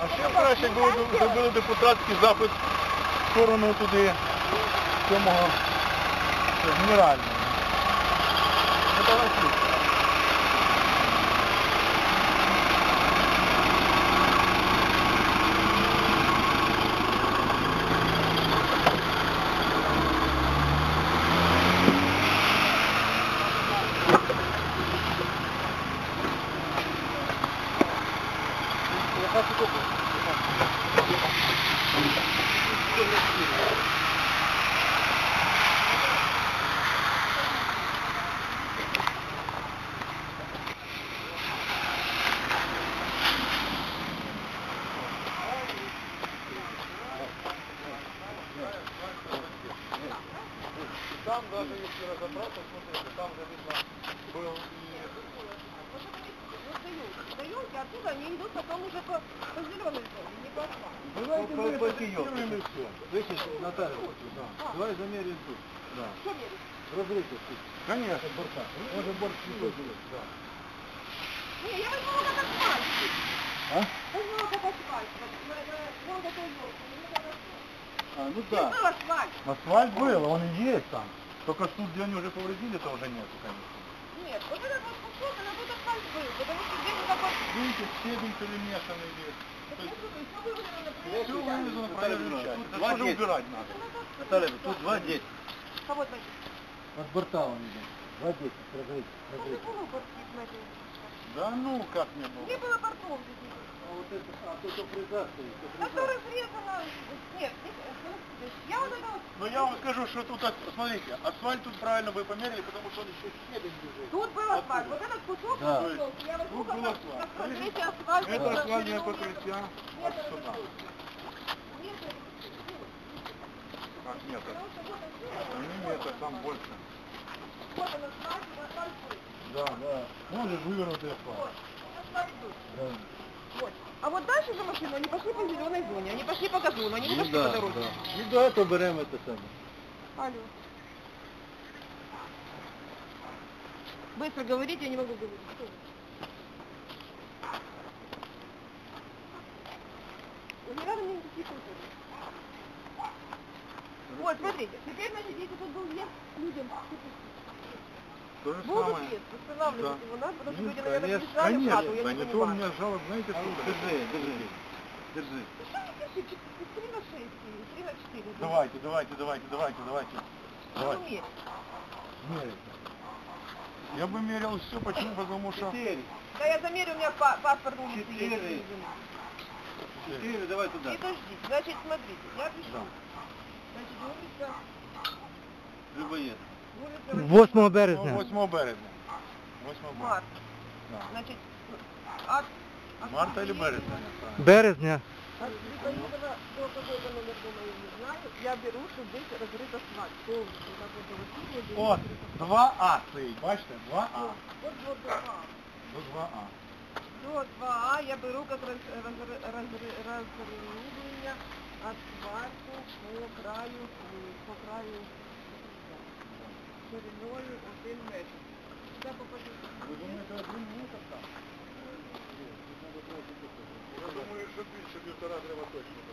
А ще краще, якби зробили депутатський запит в сторону туди, цьому генерального. Ну, давай слухай. Там даже если разобраться, смотрите, там же видно был Даете, оттуда они идут потом уже по зеленой зоне, не по асфальту. Давайте мы протестируем и все. Слышишь, Наталья, давай замерим тут. Да. Что мерить? Разрыв тут. Конечно, борта. Может борт не будет. Да. Не, я возьму вот этот асфальт. А? Возьму вот этот асфальт. Вон такой елки. А, ну да. Был асфальт. Асфальт был, он и есть там. Только тут, где они уже повредили, то уже нету, конечно. Нет, вот этот вот кусок, она тут асфальт был, потому что где-то такой... Видите, стебень перемешанный весь. Все вывезено, правильно часть. Это тоже убирать надо. Наталья, тут 2,10. Кого 2,10? От борта он идет. 2,10, разрыв. Ну, не было бортов на этом. Да ну, как не было. Не было бортов здесь. А вот это, то, что фреза стоит. Это разрезано. Нет, я вот это вот... Но я вам скажу, что тут, смотрите, асфальт тут правильно вы померили, потому что он еще стебень лежит. Тут был асфальт. Вот этот кусок, Да. я возьму, Тут был как асфальт. покрытие асфальта. Это асфальтное покрытие. Вот сюда. Как нет? Нет, там больше. Вот он асфальт, асфальт был. Да, да. Он же вывернутый асфальт. Вот, асфальт был. Да. Вот. А вот дальше за машину они пошли по зеленой зоне, они пошли по газону, они не пошли по дороге. Да. Ну да, то берем это самое. Алло. Быстро говорите, я не могу говорить. Что вы? Не надо мне никаких культур. Вот, смотрите, теперь, значит, если тут был въезд людям, То же будут самое. въезд, восстанавливать его надо, потому что Ну, люди, наверное, конечно, приезжали в хату, я да не не то у понимаю. меня жалоб, знаете, сколько? Держи. Ну что не пишите, 3 на 6, 3 на 4. Давайте. Что умеете? Мерить. Я бы мерил все, почему? Потому что... 4. Да я замерю, у меня паспорт улицы есть. 4. 4, давай туда. И подождите, значит, смотрите, я пишу. Да. Значит, улица... Любоед. Улица 8 березня. 8 березня. 8 березня. Март. Да. Значит, от Марта или березня? Березня. От Грибоедова до какой-то номер дома я не знаю. Я беру, чтобы здесь разрыт асфальт. Полностью. Так вот, вот, здесь От разрыт асфальт. 2А стоїть, бачите? 2А. Вот до 2А. До 2А. До 2А я беру как разрывание асфальту по краю шириною 1 метр. Сюда попадет. Ви думаєте, 1 метр там? Я думаю, що більше 1,5 треба точно.